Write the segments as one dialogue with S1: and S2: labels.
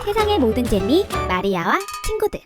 S1: 세상의 모든 재미 마리아와 친구들.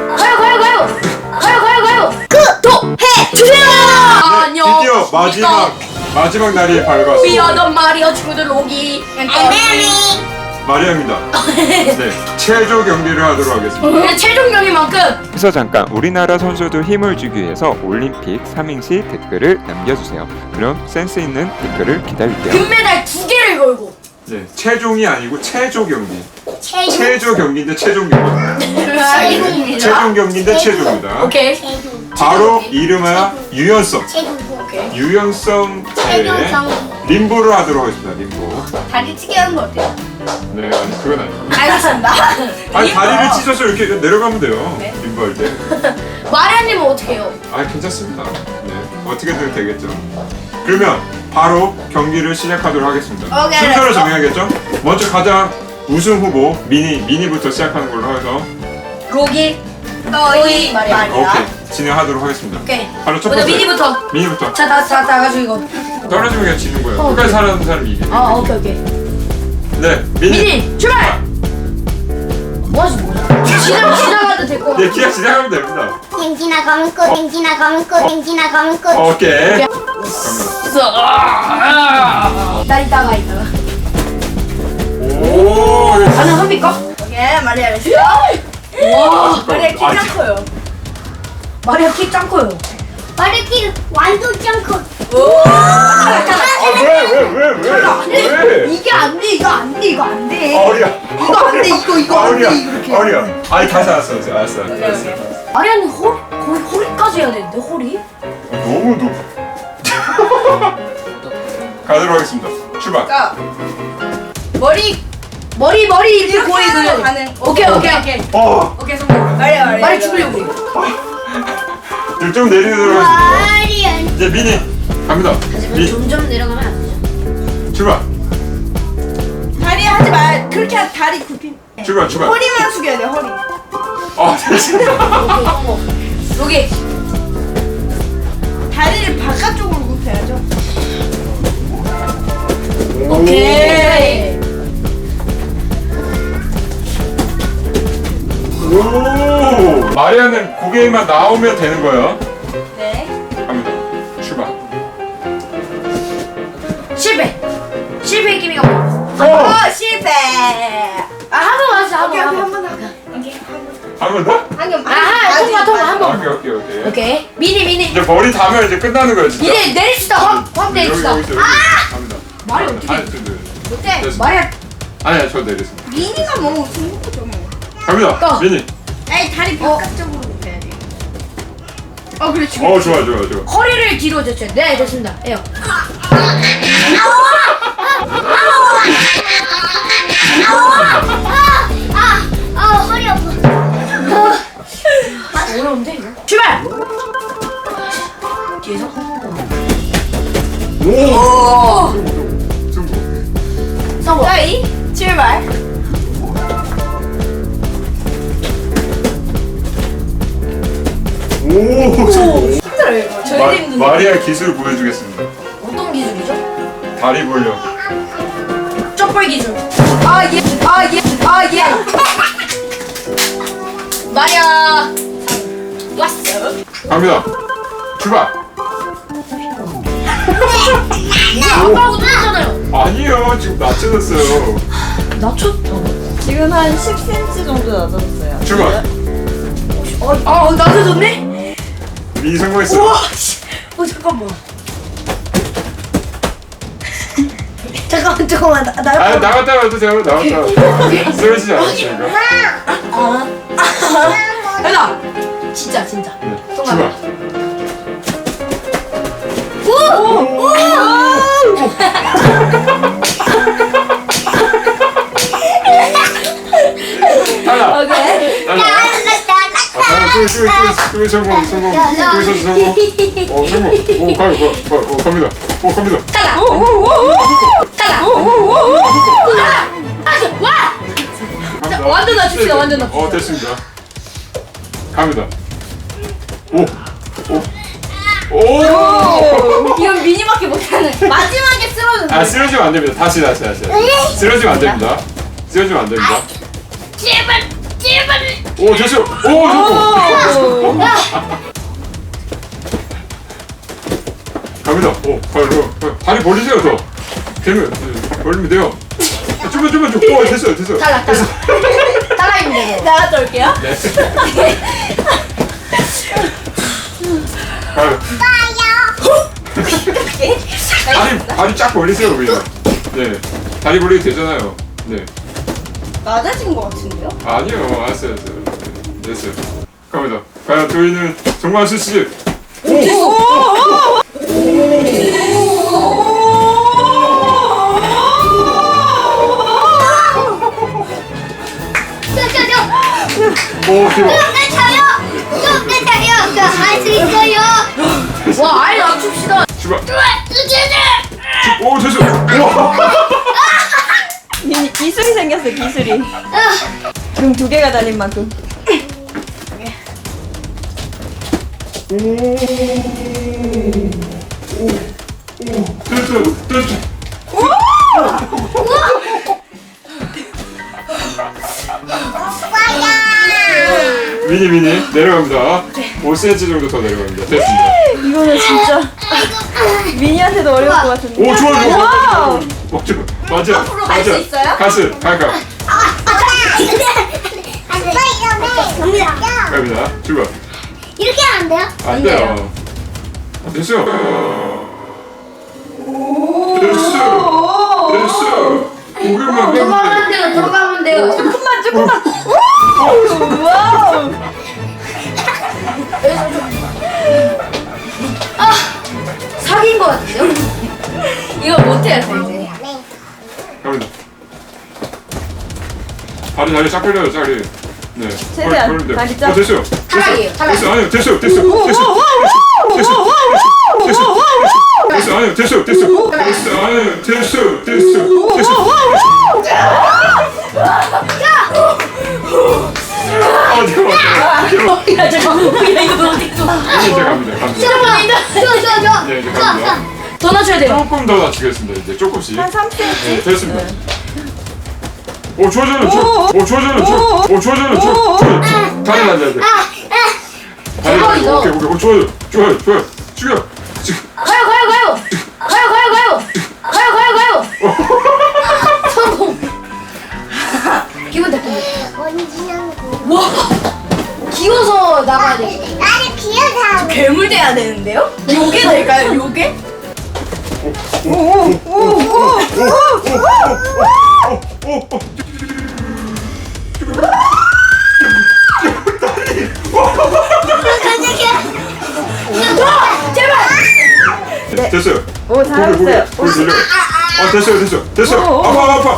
S2: 가요. 구독해 주세요. 안녕.
S3: 드디어 마지막 날이 밝았어.
S2: 미안한 마리아 친구들 오기.
S3: 마리아입니다. 네, 체조 경기를 하도록 하겠습니다.
S2: 최종 경기만큼
S4: 그래서 잠깐 우리나라 선수들 힘을 주기 위해서 올림픽 3행시 댓글을 남겨주세요. 그럼 센스 있는 댓글을 기다릴게요.
S2: 금메달 2개를 걸고.
S3: 네, 체종이 아니고 체조 경기. 체조 경기인데 체종 경기. 체종 경기인데 체조입니다.
S2: 오케이.
S3: 바로 이름하여 유연성.
S2: 오케이.
S3: 유연성 림보를 하도록 하겠습니다. 림보.
S2: 다리 찌게 하는 거 어때요?
S3: 네, 아니 그건 아니고.
S2: 알겠습니다.
S3: 아니 다리를 찢어서 이렇게 내려가면 돼요.
S2: 네.
S3: 림보 할 때.
S2: 마리아님은 어떻게 해요?
S3: 아, 괜찮습니다. 네, 어떻게든 되겠죠. 그러면 바로 경기를 시작하도록 하겠습니다.
S2: 오케이,
S3: 순서를
S2: 알았어.
S3: 정해야겠죠? 먼저 가장 우승 후보 미니부터 시작하는 걸로 해서
S2: 로기, 너희, 마리아.
S3: 오케이 진행하도록 하겠습니다.
S2: 오케이.
S3: 바로 첫
S2: 먼저
S3: 번째
S2: 미니부터.
S3: 미니부터
S2: 자, 다 가지고 이거.
S3: 떨어지면 그냥 지는 거예요. 끝까지
S2: 오케이.
S3: 살아남는 사람이 이기는
S2: 아,
S3: 거예요.
S2: 오케이.
S3: 네, 미니.
S2: 미니 출발. 뭐 하지 뭐야? 시작하도 될 거 같아.
S3: 네, 기약 진행하면 됩니다.
S5: 행진아 검은 꽃, 행진아 검은 꽃, 행진아 검은 꽃.
S3: 오케이. 갑니다.
S2: 나 이따가.
S3: 오, 이거
S2: 가능합니까?
S6: 예, 마리아 레시.
S2: 와,
S6: 마리아 키
S3: 아,
S6: 작고요.
S2: 마리아 키 짱 커요.
S5: 마르키 완전 짱코.
S3: 왜?
S6: 이게 안 돼, 이거 안 돼, 이거 안 돼.
S3: 어리야.
S6: 이거 안 돼, 이거 안 돼, 이렇게.
S3: 어리야. 아니 다시 알았어.
S2: 마리아님 거의 허리까지 해야 되는데 허리?
S3: 너무 높. 가도록 하겠습니다. 출발.
S6: 그러니까
S2: 머리 이렇게
S6: 이렇게
S2: 거의
S6: 하는 거
S2: 그려.
S6: 가능.
S2: 오케이.
S6: 오케이, 성공. 마리아.
S2: 말이 죽으려고 그래.
S3: 좀 내리도록 하겠습니다.
S5: 마리아.
S3: 이제 미니 갑니다.
S2: 점점 내려가면 안 되죠.
S3: 출발.
S6: 다리 하지 말. 그렇게 다리 굽힌.
S3: 출발.
S6: 허리만 숙여야 돼, 허리.
S3: 됐습니다.
S2: 여기
S6: 다리를 바깥쪽으로 굽혀야죠.
S2: 오케이.
S3: 오. 마리아는 고개만 나오면 되는 거예요.
S6: 네.
S3: 갑니다. 출발.
S2: 실패 기미가 뭐야?
S6: 어, 실패.
S2: 한번 하자.
S6: 오케이,
S2: 한번.
S6: 한번 더.
S3: 한 번 더?
S2: 통과 한 번.
S3: 오케이.
S2: 오케이. 미니.
S3: 이제 머리 닿으면 이제 끝나는 거예요, 진짜.
S2: 이제 내립시다. 확 내립시다.
S3: 여기. 갑니다.
S2: 말이 어떻게?
S3: 아니, 좀
S6: 어때?
S3: 됐습니다.
S2: 마리아
S3: 아니야, 저 내렸습니다.
S6: 미니가 뭐 중국거죠, 뭐.
S3: 갑니다.
S2: 또.
S3: 미니.
S6: 아니, 다리 바깥쪽으로 굽혀야 돼. 그렇지.
S3: 좋아.
S2: 허리를 뒤로 젖혀요. 네, 됐습니다. 해요.
S5: 허리 아파.
S2: 어려운데 이거? 출발. 뒤에서.
S3: 오.
S2: 성공.
S6: 자이 출발.
S3: 오. 성공.
S6: 힘들어요, 이거. 저희도 힘든데.
S3: 마리아 기술 보여주겠습니다.
S2: 어떤 기술이죠?
S3: 다리 벌려.
S2: 쪽벌 기술.
S6: 예.
S2: 마리아. 왔어.
S3: 갑니다. 출발.
S2: 아빠하고 똑같잖아요.
S3: 아니요, 지금 낮춰졌어요.
S2: 낮췄다.
S6: 지금 한 10cm 정도 낮아졌어요.
S3: 출발.
S2: 낮아졌네?
S3: 미니 성공했어요.
S2: 우와. 잠깐만. 잠깐만.
S3: 아, 나갔다 와도 돼요. 나갔다 와도. 쓰러지지 않았으니까.
S2: 해라. 진짜.
S3: 네,
S2: 성공.
S3: 출발. 하나.
S2: 오케이.
S3: 하나. 또 성공. 성공. 갑니다.
S2: 따라. 와. 완전 낮춥시다. 완전 낮춥시다.
S3: 됐습니다. 갑니다. 오.
S6: 이건 미니밖에 못하는. 마지막에 쓰러졌네.
S3: 쓰러지면 안 됩니다. 다시. 쓰러지면 안 됩니다.
S2: 제발 제발.
S3: 오 됐어요. 오 됐고. 갑니다. 오 다리 벌리세요 더. 되면 벌리면 돼요. 좀만 좀. 오 됐어요.
S2: 탈락. 탈락입니다.
S6: 나갔다 올게요.
S3: 네. 가요. 다리 쫙 벌리세요 그냥. 네. 다리 벌리도 되잖아요. 네.
S6: 낮아진 것 같은데요?
S3: 아니요. 알았어요. 됐어요. 갑니다. 과연 저희는 정말 수씨. 오 대박.
S5: 할수 있어요.
S2: 와 아예 낮춥시다.
S3: 출발. 오 됐어. 우와.
S6: 기술이 생겼어, 기술이. 등 2개가 달린 만큼.
S3: 됐어. 미니 내려갑니다. 5cm 정도 더 내려갑니다. 됐습니다.
S6: 이거는 진짜 미니한테도 어려울 것 같은데.
S3: 오 좋아요.
S6: 와우.
S3: 맞아.
S6: 앞으로 갈수 있어요?
S3: 가스. 가.
S5: 갑니다.
S3: 갑니다. 출발.
S5: 이렇게 하면 안 돼요?
S3: 안 돼요. 됐어요. 됐어. 고개만
S2: 들어가면 돼요. 들어가면 돼요.
S6: 조금만. 와우.
S2: 사기인 것 같은데요? 이거 못해요 이제.
S3: 갑니다. 다리 쫙 벌려요. 다리. 네.
S6: 최대한
S3: 벌리면 돼요.
S6: 다리 쫙.
S3: 됐어요.
S2: 탈락이에요. 탈락.
S3: 됐어. 아니요. 됐어. 아니요. 됐어. 아니요. 됐어.
S2: 야 잠깐만. 야 이거 어떻게 좀.
S3: 이제 갑니다. 네, 이제 갑니다.
S2: 더 낮춰야 돼요.
S3: 조금 더 낮추겠습니다. 이제 조금씩.
S6: 한 3cm?
S3: 네, 됐습니다. 오, 좋아져요. 다리 앉아야 돼. 다리 앉아야 돼. 오케이. 오, 좋아요. 죽여. 지금.
S2: 가요. 성공. 기분 탓입니다. 와. 기어서 나가야 돼.
S5: 나를 기어서
S6: 괴물 돼야 되는데요? 요게 될까요? 요게?
S3: 네. 됐어요.
S6: 오, 잘했어요.
S3: 고개 들려. 됐어요. 아파.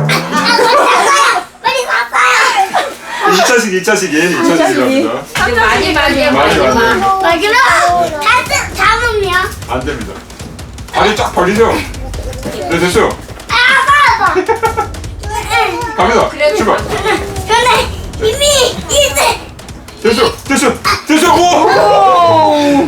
S5: 빨리 갔어요.
S3: 2차식 얘는 2차식이랍니다.
S2: 마지막.
S5: 아, 그럼 가스 잡으면
S3: 안 됩니다. 다리 쫙 벌리세요. 네, 됐어요.
S5: 아빠.
S3: 갑니다. 출발.
S5: 근데 이미 이제
S3: 됐어. 오!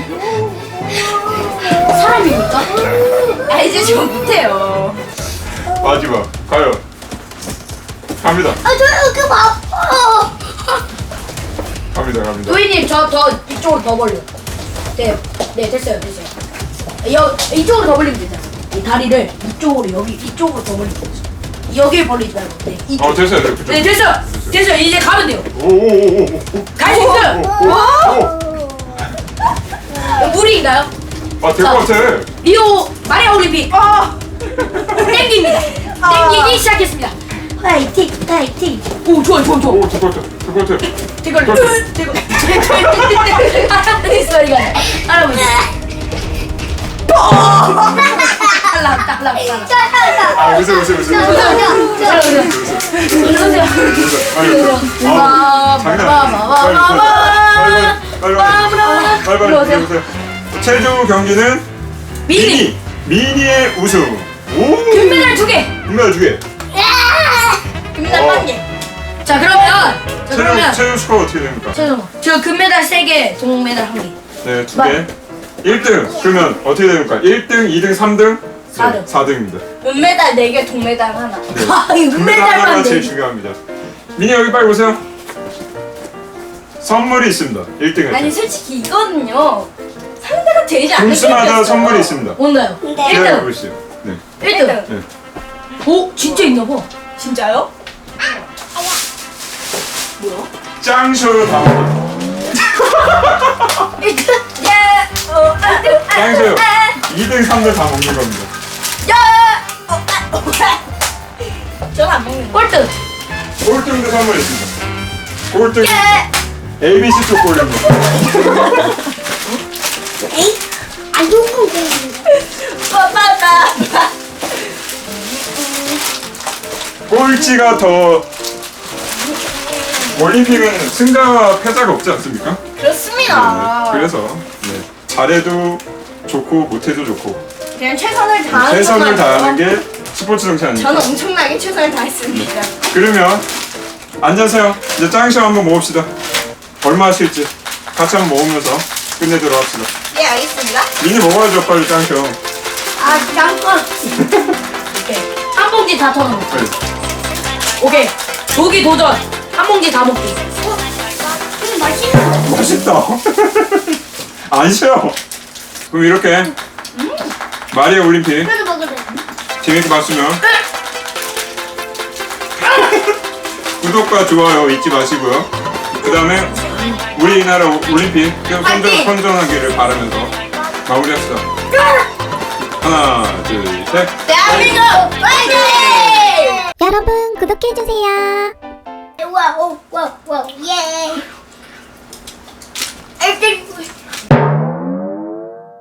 S2: 사람입니까?
S6: 아, 이제 좀 못해요.
S3: 마지막 가요. 갑니다.
S5: 저 이렇게 아파.
S3: 갑니다.
S2: 도희님 저 더 이쪽으로 더 벌려. 네 됐어요. 이쪽으로 더 벌리면 되잖아. 이 다리를 이쪽으로 더 벌리면 되죠. 여기를 벌리지 말고. 네 이쪽.
S3: 됐어요. 그쪽.
S2: 네 됐어요. 이제 가면 돼요.
S3: 오.
S2: 갈 수 있어요. 무리인가요?
S3: 될 것 같아.
S2: 리오 마리아 올림픽. 땡깁니다. 땡기기 시작했습니다. 화이팅. 오 좋아.
S3: 오, 될 것 같아.
S2: 대걸. 할아버지 소리가 나. 할아버지. 탈락.
S3: 아, 웃어. 빨리 오세요. 최종 경기는 미니의 우승. 오!
S2: 금메달 2개.
S3: 금메달 2개.
S2: 금메달
S3: 어.
S2: 1개. 자 그러면
S3: 최종 스코어 어떻게 됩니까?
S2: 저 금메달 3개, 동메달 1개.
S3: 네, 2개. 1등. 그러면 어떻게 됩니까? 1등, 2등, 3등?
S2: 4등.
S3: 4등입니다.
S6: 은메달 4개, 동메달 하나.
S3: 네.
S2: 아, 이
S3: 금메달 하나가
S2: 금메달만
S3: 제일
S2: 내.
S3: 중요합니다. 민이 여기 빨리 오세요. 선물이 있습니다. 1등
S2: 아니
S3: 할 때.
S2: 솔직히 이거는요 상대가 되지 않는
S3: 분수마다 선물이 있습니다.
S2: 뭔가요?
S5: 네.
S3: 기다려
S2: 1등
S3: 보시죠. 네.
S2: 1등
S3: 네.
S2: 오 진짜 있나봐. 진짜요?
S3: 짱쇼로 다 먹어요.
S2: 1등 야
S3: 짱쇼 2등, 3등 다 먹는 겁니다.
S2: 저는 안 먹는 거. 꼴등
S3: 꼴등도 선물 있습니다. 꼴등 ABC 초콜릿입니다.
S5: 에이? 안 좋은 건데.
S2: 빠빠빠
S3: 꼴찌가 더 올림픽은 승자와 패자가 없지 않습니까?
S2: 그렇습니다.
S3: 네, 그래서 네. 잘해도 좋고 못해도 좋고
S2: 그냥 최선을 다하는
S3: 최선을
S2: 것만
S3: 다하는
S2: 해서
S3: 게 스포츠 정치 아닙니까?
S2: 저는 엄청나게 최선을 다했습니다.
S3: 그러면 앉으세요. 이제 짱쇼 한번 모읍시다. 얼마 하실지 같이 한번 모으면서 끝내도록 합시다.
S2: 예 알겠습니다.
S3: 미니 먹어야죠 빨리 짱쇼.
S2: 아 잠깐. 오케이 한 봉지 다 털어 먹고.
S3: 네.
S2: 오케이 조기 도전 한 봉지 다 먹기.
S5: 맛있는 거.
S3: 맛있다. 안 쉬어. 그럼 이렇게 마리아 올림픽
S5: 그래도 먹으래.
S3: 재밌게 봤으면 구독과 좋아요 잊지 마시고요. 그 다음에 우리나라 올림픽 계속 선전하기를 바라면서 마무리합시다. 하나, 둘, 셋.
S2: 대한민국 화이팅!
S1: 여러분 구독해주세요.
S5: 와, 오, 와, 와, 예.
S2: 1등